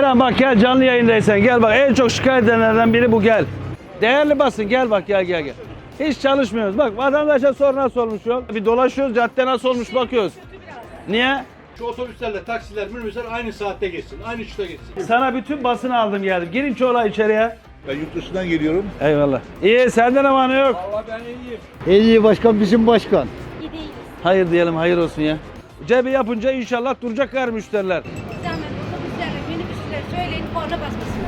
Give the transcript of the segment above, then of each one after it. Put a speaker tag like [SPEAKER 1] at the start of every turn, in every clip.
[SPEAKER 1] Aynen bak gel canlı yayındaysan gel bak en çok şikayet edenlerden biri bu gel. Değerli basın gel bak gel. Hiç çalışmıyoruz. Bak vatandaşa sor nasıl olmuş yol. Bir dolaşıyoruz cadde nasıl olmuş bakıyoruz. Niye?
[SPEAKER 2] Şu otobüslerle taksiler, minibüsler aynı saatte geçsin, aynı uçta geçsin.
[SPEAKER 1] Sana bütün basını aldım geldim. Girin çoğla içeriye.
[SPEAKER 3] Ben yurt dışından geliyorum.
[SPEAKER 1] Eyvallah. İyi sende ne var ne yok?
[SPEAKER 2] Vallahi ben iyiyim.
[SPEAKER 4] En iyi başkan bizim başkan.
[SPEAKER 5] İyi değiliz.
[SPEAKER 1] Hayır diyelim hayır olsun ya. Cebi yapınca inşallah duracaklar müşteriler.
[SPEAKER 5] Zahmet otobüslerle, minibüslerle söyleyin korna basmasınlar.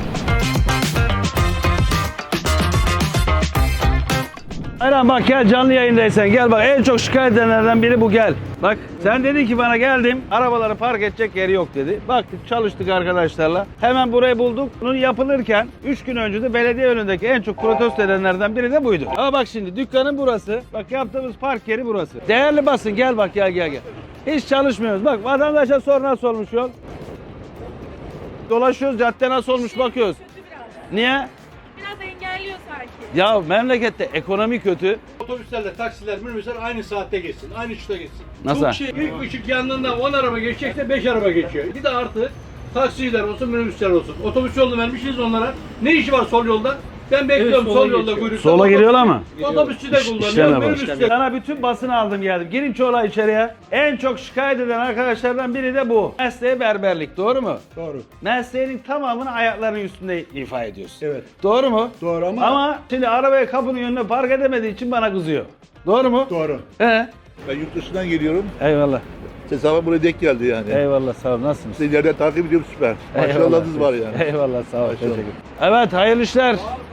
[SPEAKER 1] Aynen bak gel canlı yayındaysan gel bak en çok şikayet edenlerden biri bu gel. Bak sen dedin ki bana geldim arabaları park edecek yeri yok dedi. Baktık çalıştık arkadaşlarla. Hemen burayı bulduk. Bunun yapılırken 3 gün önce de belediye önündeki en çok protesto edenlerden biri de buydu. Ama bak şimdi dükkanın burası. Bak yaptığımız park yeri burası. Değerli basın gel bak gel. Hiç çalışmıyoruz. Bak vatandaşa sor nasıl olmuş yol. Dolaşıyoruz cadde nasıl olmuş bakıyoruz. Niye?
[SPEAKER 5] Biraz engelliyor sanki.
[SPEAKER 1] Ya memlekette ekonomi kötü.
[SPEAKER 2] Otobüslerle taksiler, minibüsler aynı saatte geçsin, aynı uçta geçsin.
[SPEAKER 1] Nasıl?
[SPEAKER 2] Çok şey, ilk ışık yandığında 10 araba geçecekse 5 araba geçiyor. Bir de artı taksiler olsun, minibüsler olsun. Otobüs yolunu vermişiz onlara. Ne işi var sol yolda? Ben bekliyorum sol yolda kuyrukta.
[SPEAKER 1] Sola giriyorlar mı?
[SPEAKER 2] Otobüsçü de
[SPEAKER 1] İşleme
[SPEAKER 2] kullanıyor,
[SPEAKER 1] bak.
[SPEAKER 2] minibüs de.
[SPEAKER 1] Sana bütün basını aldım geldim. Girin çoğla içeriye. En çok şikayet eden arkadaşlardan biri de bu. Mesleği berberlik. Doğru mu?
[SPEAKER 3] Doğru.
[SPEAKER 1] Mesleğinin tamamını ayaklarının üstünde ifa ediyorsun.
[SPEAKER 3] Evet.
[SPEAKER 1] Doğru mu?
[SPEAKER 3] Doğru ama-
[SPEAKER 1] Ama şimdi arabayı kapının önüne park edemediği için bana kızıyor. Doğru mu?
[SPEAKER 3] Doğru.
[SPEAKER 1] He.
[SPEAKER 3] Ben yurt dışından geliyorum.
[SPEAKER 1] Eyvallah.
[SPEAKER 3] Hesabım buraya denk geldi yani.
[SPEAKER 1] Eyvallah sağ ol. Nasılsınız?
[SPEAKER 3] Sizi ileriden takip ediyorum süper. Maşallahınız var yani.
[SPEAKER 1] Eyvallah sağ ol.
[SPEAKER 3] Maşallah.
[SPEAKER 1] Teşekkür ederim. Evet hayırlı işler.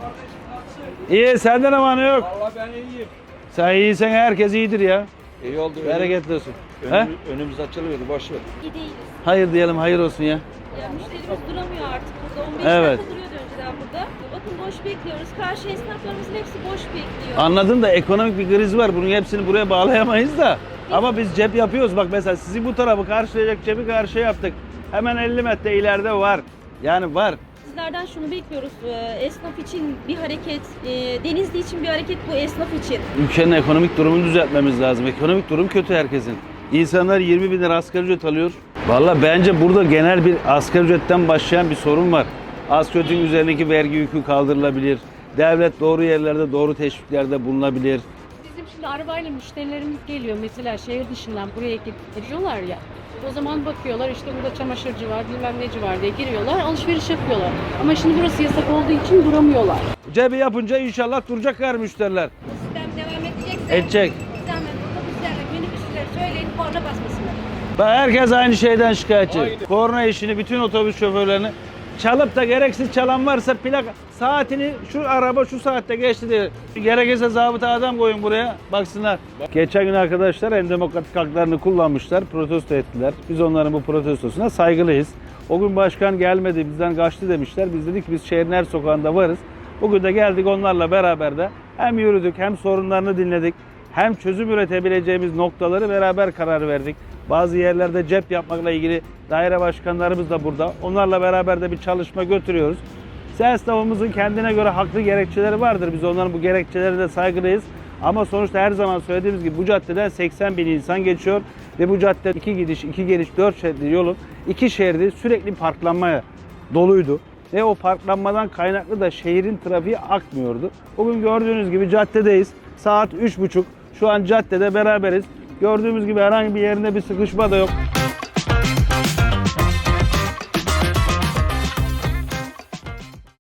[SPEAKER 1] İyi sende ne var ne yok?
[SPEAKER 2] Vallahi ben iyiyim.
[SPEAKER 1] Sen iyiysen herkes iyidir ya.
[SPEAKER 2] İyi oldu.
[SPEAKER 1] Bereketli olsun. He?
[SPEAKER 2] Önümüz açılıyordu, boş ver.
[SPEAKER 5] İyi değiliz.
[SPEAKER 1] Hayır diyelim hayır olsun ya.
[SPEAKER 5] Ya müşterimiz duramıyor artık burada. 15
[SPEAKER 1] Evet.
[SPEAKER 5] dakika duruyordu önceden burada. Bakın boş bekliyoruz. Karşı esnaflarımızın hepsi boş bekliyor.
[SPEAKER 1] Anladım da ekonomik bir kriz var. Bunun hepsini buraya bağlayamayız da. Ama biz cep yapıyoruz. Bak mesela sizi bu tarafı karşılayacak cebi karşıya yaptık. Hemen 50 metre ileride var. Yani var.
[SPEAKER 5] Sizlerden şunu bekliyoruz. Esnaf için bir hareket, Denizli için bir hareket bu esnaf için.
[SPEAKER 1] Ülkenin ekonomik durumunu düzeltmemiz lazım. Ekonomik durum kötü herkesin. İnsanlar 20 bin lira asgari ücret alıyor. Vallahi bence burada genel bir asgari ücretten başlayan bir sorun var. Asgari ücretin üzerindeki vergi yükü kaldırılabilir. Devlet doğru yerlerde, doğru teşviklerde bulunabilir.
[SPEAKER 6] Bizim şimdi arabayla müşterilerimiz geliyor mesela şehir dışından buraya geliyorlar ya. O zaman bakıyorlar işte burada çamaşırcı var, bilmem neci var diye giriyorlar, alışveriş yapıyorlar. Ama şimdi burası yasak olduğu için duramıyorlar.
[SPEAKER 1] Cebi yapınca inşallah duracaklar müşteriler.
[SPEAKER 5] Bu sistem devam edecekse
[SPEAKER 1] Edecek.
[SPEAKER 5] zahmet otobüslerle, minibüslerle söyleyin korna basmasınlar.
[SPEAKER 1] Bak herkes aynı şeyden şikayetçi. Korna işini bütün otobüs şoförlerini çalıp da gereksiz çalan varsa plak saatini şu araba şu saatte geçti diye. Gerekirse zabıta adam koyun buraya baksınlar. Geçen gün arkadaşlar en demokratik haklarını kullanmışlar, protesto ettiler. Biz onların bu protestosuna saygılıyız. O gün başkan gelmedi, bizden kaçtı demişler. Biz dedik biz şehrin her sokağında varız. Bugün de geldik onlarla beraber de hem yürüdük hem sorunlarını dinledik. Hem çözüm üretebileceğimiz noktaları beraber karar verdik. Bazı yerlerde cep yapmakla ilgili daire başkanlarımız da burada. Onlarla beraber de bir çalışma götürüyoruz. Esnafımızın kendine göre haklı gerekçeleri vardır. Biz onların bu gerekçelerine de saygılıyız. Ama sonuçta her zaman söylediğimiz gibi bu caddeden 80 bin insan geçiyor. Ve bu cadde 2 gidiş, 2 geliş, 4 şeritli yolun 2 şeridi sürekli parklanmaya doluydu. Ve o parklanmadan kaynaklı da şehrin trafiği akmıyordu. Bugün gördüğünüz gibi caddedeyiz. Saat 3.30. Şu an caddede beraberiz. Gördüğümüz gibi herhangi bir yerinde bir sıkışma da yok.